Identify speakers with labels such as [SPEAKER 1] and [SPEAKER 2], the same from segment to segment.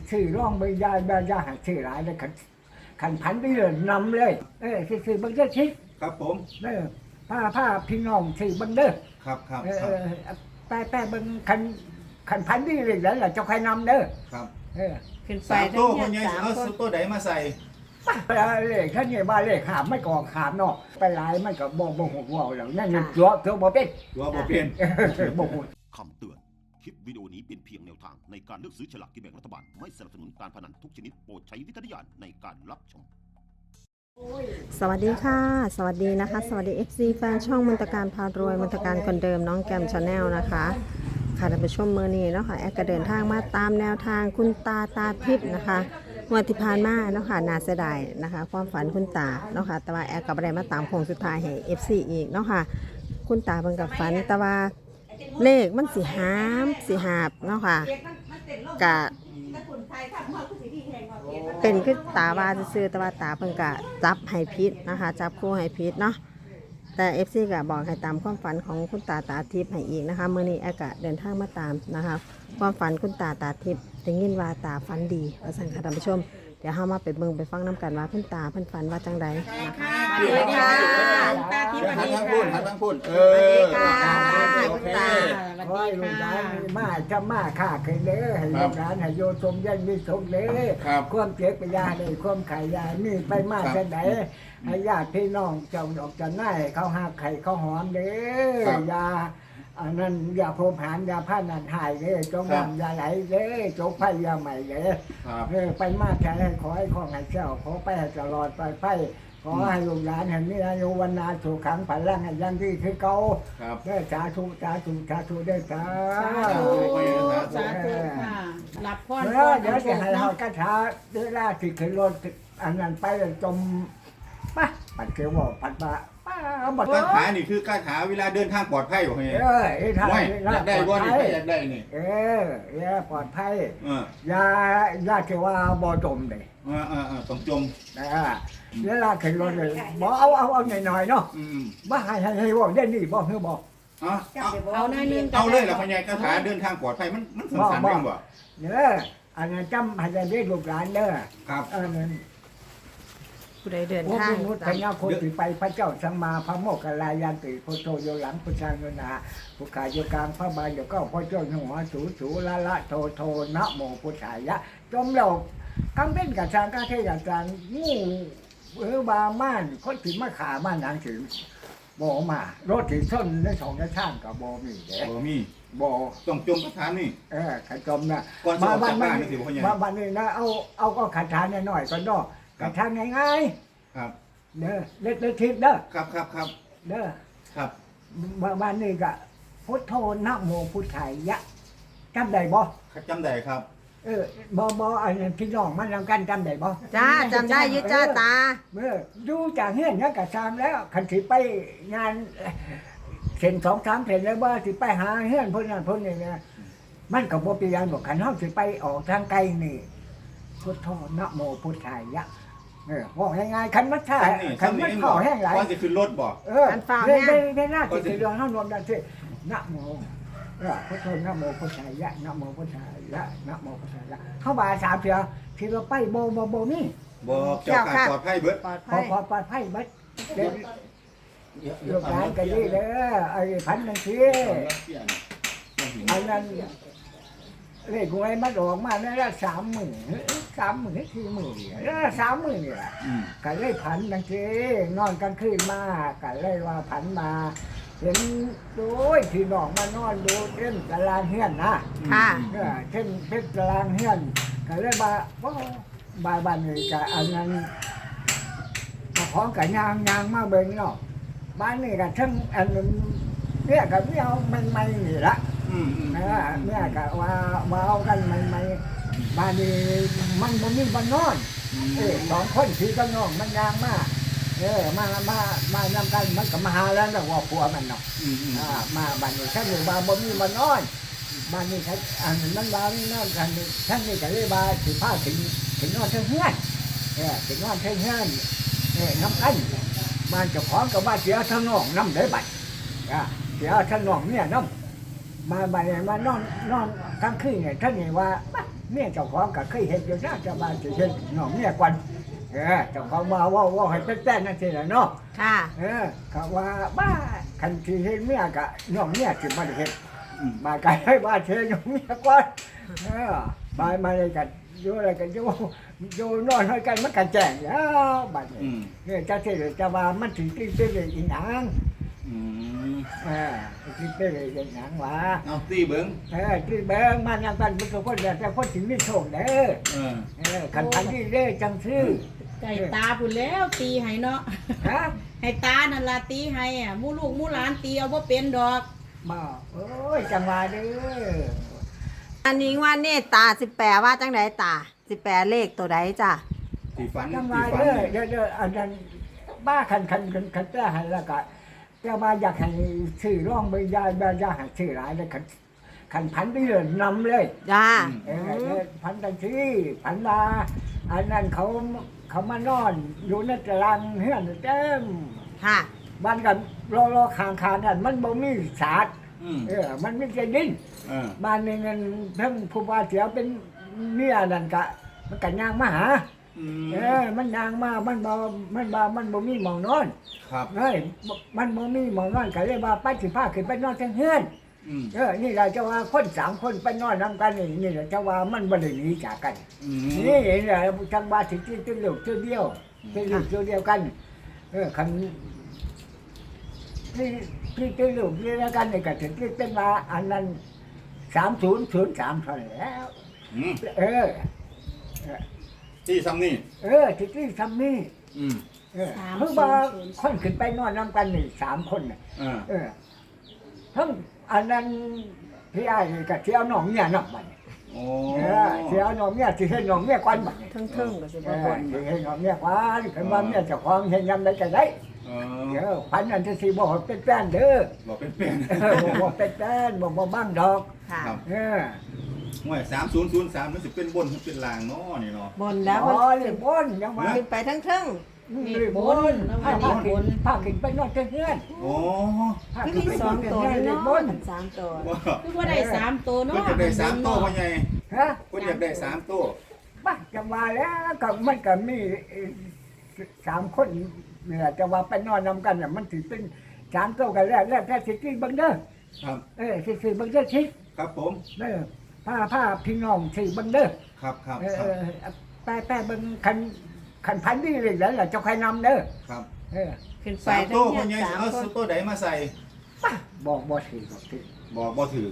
[SPEAKER 1] ซื้อร่องใบยาหัดซื้อหลายเลยขันพันไปเลยนำเลยซื้อบังเด้อชิด
[SPEAKER 2] ครับผม
[SPEAKER 1] ผ้าพี่น้องซื้อบังเด้อ
[SPEAKER 2] ครับ
[SPEAKER 1] แป้บังขันพันไปเลยแล้วเจ้าใครนำเด้อ
[SPEAKER 2] ครับ
[SPEAKER 3] ขึ้นไป
[SPEAKER 2] 3ตัวคนยังเอาซุปตัวใดมาใส่
[SPEAKER 1] เลขท่านเนี่ยบ้านเลขขามไม่ก่อขามเนาะไปหลายมันก็บ่หกว่าวแล้วนั่นตัวบ่เป็น
[SPEAKER 2] ตัวบ่เป็น
[SPEAKER 1] บ่ฮู้
[SPEAKER 4] คำเตือนคลิปวิดีโอนี้เป็นเพียงแนวทางในการเลือกซื้อฉลากกินแบ่งรัฐบาลไม่สนับสนุนการพนันทุกชนิดโปรดใช้วิจารณญาณในการรับชม
[SPEAKER 3] สวัสดีค่ะสวัสดีนะคะสวัสดี FC แฟนช่องมนตการพารวยมนตการคนเดิมน้องแกมชาแนลนะคะค่ะท่านผู้ชมเมื่อนี้เนาะค่ะแอดก็เดินทางมาตามแนวทางคุณตาทิพย์นะคะวันที่ผ่านมาเนาะค่ะน่าเสียดายนะคะความฝันคุณตาเนาะค่ะแต่ว่าแอดก็บ่ได้มาตามโค้งสุดท้ายให้ FC อีกเนาะค่ะคุณตาเพิ่นกับฝันแต่ว่าเลขมันสิหาบเนาะค่ะกะเป็นคือตาว่าซื่อแต่ว่าตาเพิ่นกะจับให้ผิดนะคะจับคู่ให้ผิดเนาะแต่ FC ก็บอกให้ตามความฝันของคุณตาทิพย์ให้อีกนะคะมื้อนี้แอดก็เดินทางมาตามนะคะความฝันคุณตาทิพย์ได้ยินว่าตาฝันดีว่าซั่นค่ะท่านผู้ชมเดี๋ยวเฮามาไปเบิ่งไปฟังน้ำกันว่าคุณตาเพิ่นฝันว่าจังใดนะคะสวัสดีค่ะ
[SPEAKER 2] ตาทิพย์หันทางพูด
[SPEAKER 3] สวัสดีค่ะคุณตา
[SPEAKER 1] ขอให้ลูกหลานมาจะมาค้าขึ้นเด้อให้ลูกหลานให้โยชมยันมีสุขเด้อความเจ็บไปยาได้ความไข่ยานี่ไปมากแค่ไหนให้ญาติพี่น้องเจ้าดอกจันได้เขาหักไข่เขาหอมเด้อยาอันนั้นยาโพมหานยาผ้านันหายเด้จงน้ำยาไหลเด้จงไผ่ยาใหม่เด้ไปมากแค่ขอให้ของให้เจ้าขอไปให้ตลอดไปขอให้ลูกหลานแห่งนี้อายุวันนาสุขังผันร่างให้ยังที่คือเก่าได้สาธุได้สา
[SPEAKER 3] ค่ะรับพร
[SPEAKER 1] เดี๋ยวจะให้เราคาถาเวลาที่ขึ้นรถอันนั้นไปจมป่ะปัดเกลียวบอกปัดบะ
[SPEAKER 2] คาถานี่คือคาถาเวลาเดินทางปลอดภัยบ่เฮ้ยอยากได้บ่นี่อยากได้นี่
[SPEAKER 1] ปลอดภัยอย่าเทว่าบ่จมเลย
[SPEAKER 2] ต้องจม
[SPEAKER 1] เวลาขึ้นรถเลยบ่เอาหน่อยๆเนาะบ่ให้บอกได้นี่บ่คือบ่
[SPEAKER 3] เอาหน่อยนึง
[SPEAKER 2] เอาเลยล่ะพ่อใหญ่คาถาเดินทางปลอดภัยมันสั้นๆจังบ่
[SPEAKER 1] อันนั้นจำให้ได้เรียกลูกหลานเด้อ
[SPEAKER 2] ครับ
[SPEAKER 1] นั้น
[SPEAKER 3] ผู้ใดเดินทาง
[SPEAKER 1] พุทธญาโคติไปพระเจ้าสัมมาพระโมคคัลลายันติโพโตโยหลังพุทธานุนาผู้ขาโยกลางพระบาลโยก็พระเจ้าหัวสูละโทนะโมพุทธายะจมเรากังเป็นกับจางกาเทกับจางงูบาม่านคนถึงมาขาม่านนางถึงบ่มารถถึงส้นในสองในช่างกับบ่มีเด้
[SPEAKER 2] บ่มี
[SPEAKER 1] บ่
[SPEAKER 2] ต้องจมคาถานี่
[SPEAKER 1] ขันจมนะ
[SPEAKER 2] มาบ้
[SPEAKER 1] านนี้นะเอาก็ขันทานน้อยๆก็ดอกขันทานง่าย
[SPEAKER 2] ๆครับ
[SPEAKER 1] เด้อเล็กทิพย์เด้อ
[SPEAKER 2] ครับ
[SPEAKER 1] เด้อ
[SPEAKER 2] ครับ
[SPEAKER 1] บ้านนี้ก็พุทโธนะโมพุทธายะจำได้บ่
[SPEAKER 2] จำได้ครับ
[SPEAKER 1] บ่อันพี่น้องมันนำกันจำได้บ่
[SPEAKER 3] จ้าจำได้ยึดจ้าตา
[SPEAKER 1] ดูจากเฮือนเนี่ยก็ตามแล้วคันสิไปงานเส้น2-3เส้นแล้วบ่สิไปหาเฮือนเพิ่นนั่นเพิ่นนี่นะมันก็บ่เปลี่ยนบ่คันเฮาสิไปออกทางไกลนี่พุทโธนะโมพุทธายะบอกง่ายๆคันมันท่าคันมันเผาแห้งหลาย
[SPEAKER 2] ก่อนสิขึ้นรถบ่
[SPEAKER 3] คันฟ้าแห้ง
[SPEAKER 1] ได้หน้าสิเรื่องเฮารวมกันสินะโมพุทโธนะโมพุทธายะนะโมพุทธายะนะโมพุทธายะเข้าบ่า3เทื่อที่ว่าไปบ่มี
[SPEAKER 2] บ่เจ้าค่ะปลอดภัยเบิด
[SPEAKER 1] ปลอดภัยเบิดลูกหลานก็ดีเด้อไอ้พันจังซี่อันนั้นเลขหวยมาออกมาเนี่ยละ30,000 40,000แล้ว30,000นี่แหละก็เลยผันจังซี่นอนกลางคืนมาก็เลยว่าผันมาเห็นโดยที่น้องมานอนดูเช่นตารางเฮือนนะ
[SPEAKER 3] ค่ะ
[SPEAKER 1] เช่นตารางเฮือนก็เลยว่าบ้านนี่ก็อันนั้นของก็ยางมาเบิ่งเนาะบ้านนี่ก็ทั้งอันเนี่ยก็ไม่เอาใหม่ๆนี่ละเนี่ยก็ว่าเอากันใหม่ๆบ้านนี้มันบ่มีบ้านนอน2คนที่ก็น้องมันยางมามานำกันมันก็มาหาแล้วว่าผัวมันเนาะมาบ้านนี้ฉันอยู่บ้านบ่มีบ้านนอนบ้านนี้ฉันอันนั้นบ้านนั่นกันฉันนี่ก็เลยว่าสิพาถึงนอนเฮือนถึงนอนเฮือนน้ำกันบ้านเจ้าของก็ว่าเสียทั้งน้องน้ำได้บัดเสียทั้งน้องเนี่ยน้ำมาบ้านนี้มานอนกลางคืนเนี่ยท่านนี่ว่าเมียเจ้าของก็เคยเห็นอยู่นะเจ้าบ้านสิเห็นน้องเมียก่อนเจ้าของมาว่าให้เป็นแป้นนั่นสิล่ะเนาะ
[SPEAKER 3] ค่ะ
[SPEAKER 1] เขาว่าบ้าคันสิเห็นเมียก็น้องเมียสิบ่ได้เฮ็ดมาไกลให้บ้านเชิญน้องเมียก่อนบายมาเลยกันอยู่อะไรกันอยู่นอนให้กันมันกันแจ้งแล้วบัดนี้เนี่ยจะสิจะว่ามันถึงที่เป็นอีหยังที่เป็นอีหยังวะ
[SPEAKER 2] เอาตีเบิ้ง
[SPEAKER 1] ที่เบิ่งมันยังกันมันก็คนเดียวแต่คนถึงมีโชคเด้อคันพันที่เด้อจังซื้อ
[SPEAKER 5] ไก่ตาพุ่นแล้วตีให้เนาะ
[SPEAKER 1] ฮะ
[SPEAKER 5] ให้ตานั่นล่ะตีให้หมู่ลูกหมู่หลานตีเอาบ่เป็นดอก
[SPEAKER 1] บ่โอ้ยจังหวะเด้อ
[SPEAKER 3] อันนี้ว่านี่ตาสิแปลว่าจังไดตาสิแปลเลขตัวใดจ้ะ
[SPEAKER 2] ตีฟัน
[SPEAKER 1] จังห
[SPEAKER 2] ตี
[SPEAKER 1] วะ
[SPEAKER 2] ฟัน
[SPEAKER 1] เด้อ
[SPEAKER 2] เนี่ย
[SPEAKER 1] เด้ออันนั้นบ้าคันแป้ให้แล้วก็แต่ว่าอยากให้ชื่อร้องบ่ยายให้ชื่อหลายเลยคันพันไปเลยนำเลย
[SPEAKER 3] จ้า
[SPEAKER 1] พันตังที่พันมาอันนั้นเขามานอนอยู่ในตารางเฮือนเต็ม
[SPEAKER 3] ค่ะ
[SPEAKER 1] บ้านกันรอคางนั่นมันบ่มีศาสตร์มันไม่ใช่ดินบ้านนึงนั่นเพิ่งผู้ว่าเสียเป็นเมียนั่นกะมันกันยางมาหามันยางมามันบ่มีหมองนอน
[SPEAKER 2] ครับ
[SPEAKER 1] มันบ่มีหมองนอนก็เลยว่าไปสิพาขึ้นไปนอนทางเฮือนนี่แหละจะว่าคน3คนไปนอนนำกันนี่แหละจะว่ามันบ่ได้หนีจากกันนี่แหละจังว่าสิที่ลูกเดียวที่ลูกเดียวกันคันที่ลูกเดียวกันนี่ก็ถึงที่เป็นว่าอันนั้น3003เท่านั้นแล้ว
[SPEAKER 2] ที่ซ้ำนี่
[SPEAKER 1] ที่ทำนี่เพิ่งว่าคนขึ้นไปนอนนำกันนี่3คนน่ะทั้งอันนั้นพี่ไอ้กับเที่ยวน้องเนี่ยนับมัน
[SPEAKER 2] โอ้
[SPEAKER 1] เที่ยวน้องเนี่ยที่เห็นน้องเนี่ยก่อนมัน
[SPEAKER 3] เทิงๆก็สิบ่บ่น
[SPEAKER 1] ที่เห็นน้องเนี่ยก่อนคือว่าเนี่ยเจ้าของเห็นยำได้ก็ได้พันอันที่สี่บอกเป็นแป้นเด้อ
[SPEAKER 2] บอกเป็นเป็น
[SPEAKER 1] บอกเป็นแป้นบอกบ้างดอก
[SPEAKER 3] ค่ะ
[SPEAKER 2] ห่วย3003มันสิเป็นบนเป็นล่างเนาะนี่เนาะ
[SPEAKER 3] บนแล้ว
[SPEAKER 1] อ๋
[SPEAKER 3] มัน
[SPEAKER 1] อเลยบนยังว่า
[SPEAKER 3] ขึ้นไปเทิง
[SPEAKER 1] เลยบนพาขึ้นไปนอนเพื่อน
[SPEAKER 2] โอ้
[SPEAKER 3] ๆคือมี2ตัวเนาะ
[SPEAKER 1] บน
[SPEAKER 3] 3ตัว
[SPEAKER 2] ว่า
[SPEAKER 5] คือว่าได้3ตัว
[SPEAKER 2] เพิ่น
[SPEAKER 5] เนาะ
[SPEAKER 2] อยากได้3ตัวว่าไง
[SPEAKER 1] ฮะ
[SPEAKER 2] เพิ่นอยากได้3ตัว
[SPEAKER 1] บ้าจะมาแล้วก็มันก็มี3คนเนี่ยจะว่าไปนอนนำกันเนี่ยมันถือเป็น3ตัวกันแล้วแต่สิที่บังเด้อ
[SPEAKER 2] ครับ
[SPEAKER 1] สิบังเด้อชิ
[SPEAKER 2] ครับผม
[SPEAKER 1] ผ้าพี่น้องสิบังเด้อ
[SPEAKER 2] ครับครับ
[SPEAKER 1] แป้เบิ่งคันพันนี่เลยแล้วล่ะเจ้าใครนำเด้อ
[SPEAKER 2] ครับ
[SPEAKER 3] ขึ้นไป
[SPEAKER 2] 3
[SPEAKER 3] ทั้
[SPEAKER 2] ตั
[SPEAKER 3] ง
[SPEAKER 2] ว
[SPEAKER 3] เฮี
[SPEAKER 2] พ่
[SPEAKER 3] ย
[SPEAKER 2] อน ใหญ่
[SPEAKER 3] 3
[SPEAKER 2] เอา
[SPEAKER 3] คน
[SPEAKER 2] ตัวใดมาใส่
[SPEAKER 1] บอกถือ
[SPEAKER 2] บอกบ่ถือ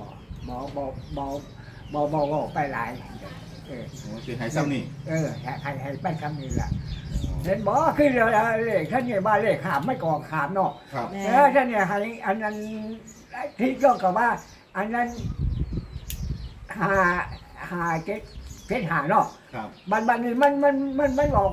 [SPEAKER 1] บอกไปหลาย
[SPEAKER 2] โอ้สิให้ซ้ำนี่
[SPEAKER 1] ให้ไปคำนี้ล่ะเห็นบอกคือเลขท่านเนี่ยบ้านเลขขามไม่กองขามเนาะ
[SPEAKER 2] ครับ
[SPEAKER 1] ท่านเนี่ยให้อันนั้นที่ก็กับว่า อันนั้นหาเจ็ดหาเนาะ
[SPEAKER 2] ครับ
[SPEAKER 1] บันนี้มันออก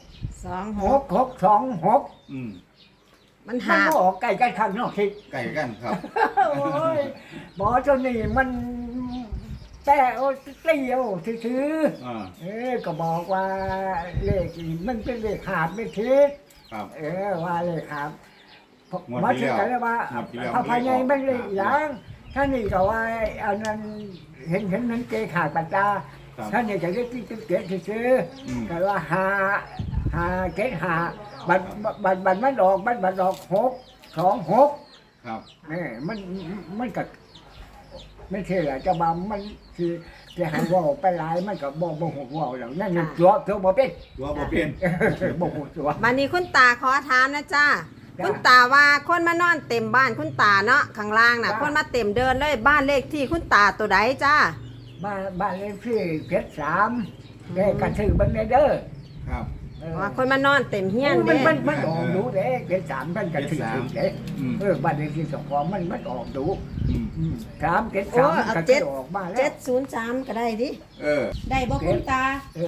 [SPEAKER 1] 6 6
[SPEAKER 2] อืม
[SPEAKER 3] มัน
[SPEAKER 1] มัน
[SPEAKER 3] หา
[SPEAKER 1] ก็ออกใกล้กันข้างนอกคิด
[SPEAKER 2] ไก่กันครับ
[SPEAKER 1] โอ้ยหมอเจ้านี่มันแต่โอ้เตี้ยวถือ
[SPEAKER 2] อ่า
[SPEAKER 1] ก็บอกว่าเลขนี่มันเป็นเลขหาบไม่ทิศ
[SPEAKER 2] ครับ
[SPEAKER 1] ว่าเลขหาบ
[SPEAKER 2] งวด
[SPEAKER 1] มา
[SPEAKER 2] ที่
[SPEAKER 1] ถึง
[SPEAKER 2] แล้ว
[SPEAKER 1] กันแล้วว่า
[SPEAKER 2] งวดที่แล้ว
[SPEAKER 1] พระพายใหญ่มันเลขหยังท่านนี่ก็ว่าอันนั้นเห็นนั้นเกขาดปัจจา
[SPEAKER 2] ครับ
[SPEAKER 1] ท่านนี่ก็เรียกที่เกศซื้อ
[SPEAKER 2] อืม
[SPEAKER 1] ก็ว่าหาเกศหาบัดมันออก6 2 6
[SPEAKER 2] ครับ
[SPEAKER 1] นี่มันก็ไม่ใช่หรอจะมามันคือจะให้ว่าไปหลายมันก็บ่หูว่าแล้วนั่นตัวบ่เป็น
[SPEAKER 2] ตัวบ่เป็น
[SPEAKER 1] บ่หูตัว
[SPEAKER 3] วันนี้คุณตาขอถามนะจ้าคุณตาว่าคนมานอนเต็มบ้านคุณตาเนาะข้างล่างน่ะคนมาเต็มเดินเลยบ้านเลขที่คุณตาตัวใดจ้า
[SPEAKER 1] บ้านเลขที่73ได้กระถือบันเด้อ
[SPEAKER 2] ครับ
[SPEAKER 3] ว่าคนมานอนเต็มเฮียนเด้
[SPEAKER 1] มันออกดูเด้73มันกระถือเด้บ้านเลขที่2มันออกดู
[SPEAKER 2] อืม
[SPEAKER 1] 3
[SPEAKER 3] โอ้
[SPEAKER 1] 73
[SPEAKER 3] เอา
[SPEAKER 1] ก็
[SPEAKER 3] เจ็ด
[SPEAKER 1] ออกมาแล้ว
[SPEAKER 3] 703ก็ได้ดิ
[SPEAKER 2] เออ
[SPEAKER 5] ได้บ่คุณตา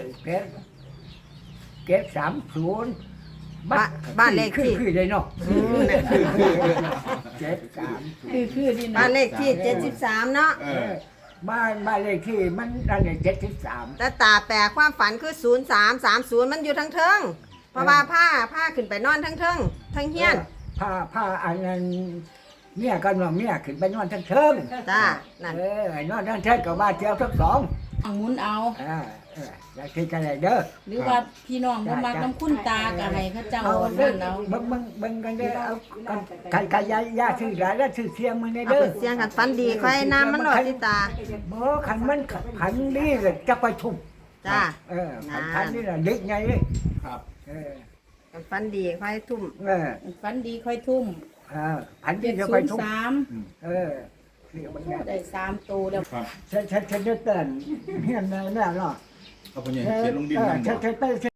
[SPEAKER 1] 730
[SPEAKER 3] บ้านเลขที่
[SPEAKER 1] คือเลยเนาะ
[SPEAKER 5] คือดีนะ
[SPEAKER 3] บ้านเลขที่73เนาะ
[SPEAKER 2] เออ
[SPEAKER 1] บ้านเลขที่มันนั่นเนี่ย73
[SPEAKER 3] แต่ตาแปลความฝันคือ0330มันอยู่ทั้งเทิงเพราะว่าผ้าขึ้นไปนอนทั้งเทิงทั้งเฮียน
[SPEAKER 1] ผ้าอันนั้นเมียกันว่าเมียขึ้นไปนอนทั้งเทิง
[SPEAKER 3] จ้านั่น
[SPEAKER 1] นอนทั้งเทิงกับบ้านเที่ยวทั้งสอง
[SPEAKER 5] หมุนเอา
[SPEAKER 1] อยากกินกันเลยเด้อ
[SPEAKER 5] หรือว่าพี่น้องบ่มักน้ำคุณตาก็ให้เขาเจ้า
[SPEAKER 1] เอา
[SPEAKER 5] เอา
[SPEAKER 1] เด้อ
[SPEAKER 5] นั่นเอา
[SPEAKER 1] เบิ่งกันเด้อเอาไก่ยาซื้อหลายแล้วซื้อเสียงมันได้
[SPEAKER 3] เอา
[SPEAKER 1] เด้อ
[SPEAKER 3] ไปเสียงกันฟันดีค่อยน้ำมันหลอดที่ตา
[SPEAKER 1] บ่ขันมันขันนี่เลยจะไปทุ่ม
[SPEAKER 3] จ้า
[SPEAKER 1] ขันนี่น่ะเล็กไงเลย
[SPEAKER 2] ครับ
[SPEAKER 3] กันฟันดีค่อยทุ่ม
[SPEAKER 5] ฝันดีค่อยทุ่ม
[SPEAKER 1] ขันนี่จะไปทุ่ม
[SPEAKER 5] 703ได้3ตัวแล้ว
[SPEAKER 2] ครับ
[SPEAKER 1] ฉันจะเตือนเฮียนแน่เนาะ
[SPEAKER 2] เอาไปเนี่ยเขียนลงดินนั่นบ่
[SPEAKER 1] ฉัน